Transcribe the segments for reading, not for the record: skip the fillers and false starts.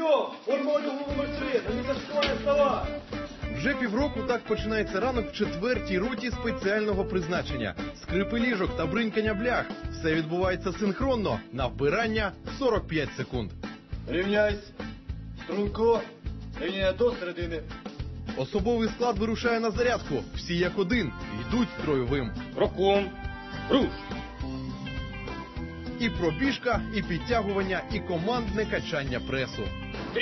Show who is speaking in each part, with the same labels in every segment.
Speaker 1: Прийом! Форма одягу номер 3, на місце школи вставай!
Speaker 2: Вже півроку так починається ранок в 4-й роті спеціального призначення. Скрипи ліжок та бринькання блях. Все відбувається синхронно. На вбирання 45 секунд.
Speaker 1: Рівняйсь! Струнко! Рівняй до середини.
Speaker 2: Особовий склад вирушає на зарядку. Всі як один. Йдуть строєвим.
Speaker 3: Роком. Руш.
Speaker 2: І пробіжка, і підтягування, і командне качання пресу.
Speaker 3: 3.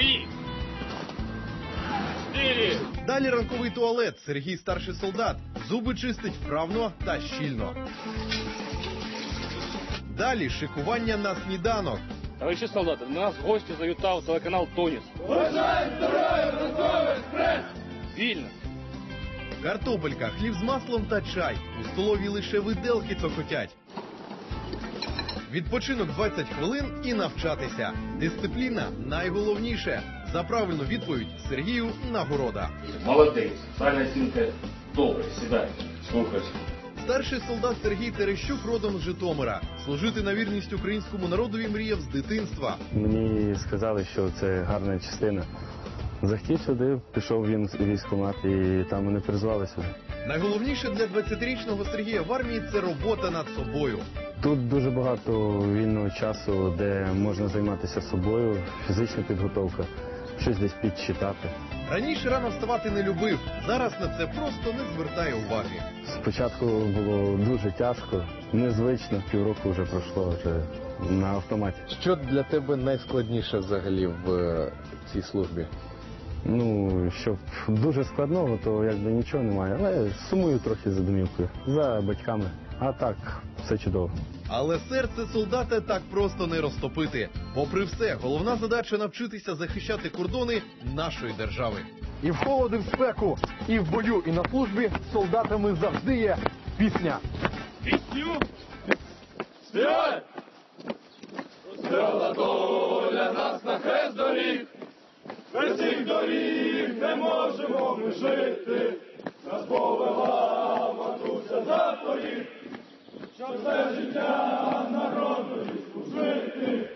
Speaker 3: 4.
Speaker 2: Далі ранковий туалет. Сергій старший солдат. Зуби чистить вправно та щільно. Далі шикування на сніданок.
Speaker 3: Товариші солдати, до нас в гості завітав телеканал «Тоніс».
Speaker 1: Бажаємо здоров'я, ранковий експрес!
Speaker 3: Вільно.
Speaker 2: Картопелька, хліб з маслом та чай. У столовій лише виделки цокотять. Відпочинок 20 хвилин і навчатися. Дисципліна найголовніше. За правильну відповідь Сергію нагорода.
Speaker 4: Молодець. Файна оцінка. Добре, сідай. Слухай.
Speaker 2: Старший солдат Сергій Терещук родом з Житомира. Служити на вірність українському народові мріяв з дитинства.
Speaker 5: Мені сказали, що це гарна частина. Захотів сюди, пішов він в військкомат і там мене призвали сюди.
Speaker 2: Найголовніше для 20-річного Сергія в армії – це робота над собою.
Speaker 5: Тут дуже багато вільного часу, де можна займатися собою, фізична підготовка, щось десь підчитати.
Speaker 2: Раніше рано вставати не любив, зараз на це просто не звертає уваги.
Speaker 5: Спочатку було дуже тяжко, незвично, півроку вже пройшло, вже на автоматі.
Speaker 6: Що для тебе найскладніше взагалі в цій службі?
Speaker 5: Ну, щоб дуже складного, то якби нічого немає, але сумую трохи за домівкою, за батьками. А так, все чудово.
Speaker 2: Але серце солдата так просто не розтопити. Попри все, головна задача – навчитися захищати кордони нашої держави.
Speaker 7: І в холоди, в спеку, і в бою, і на службі солдатами завжди є пісня.
Speaker 3: Пісню.
Speaker 1: Співай! Розстріла доля нас на хрест доріг, без цих доріг не можемо ми жити. Нас повела матуся за поріг, щоб все життя народу служити.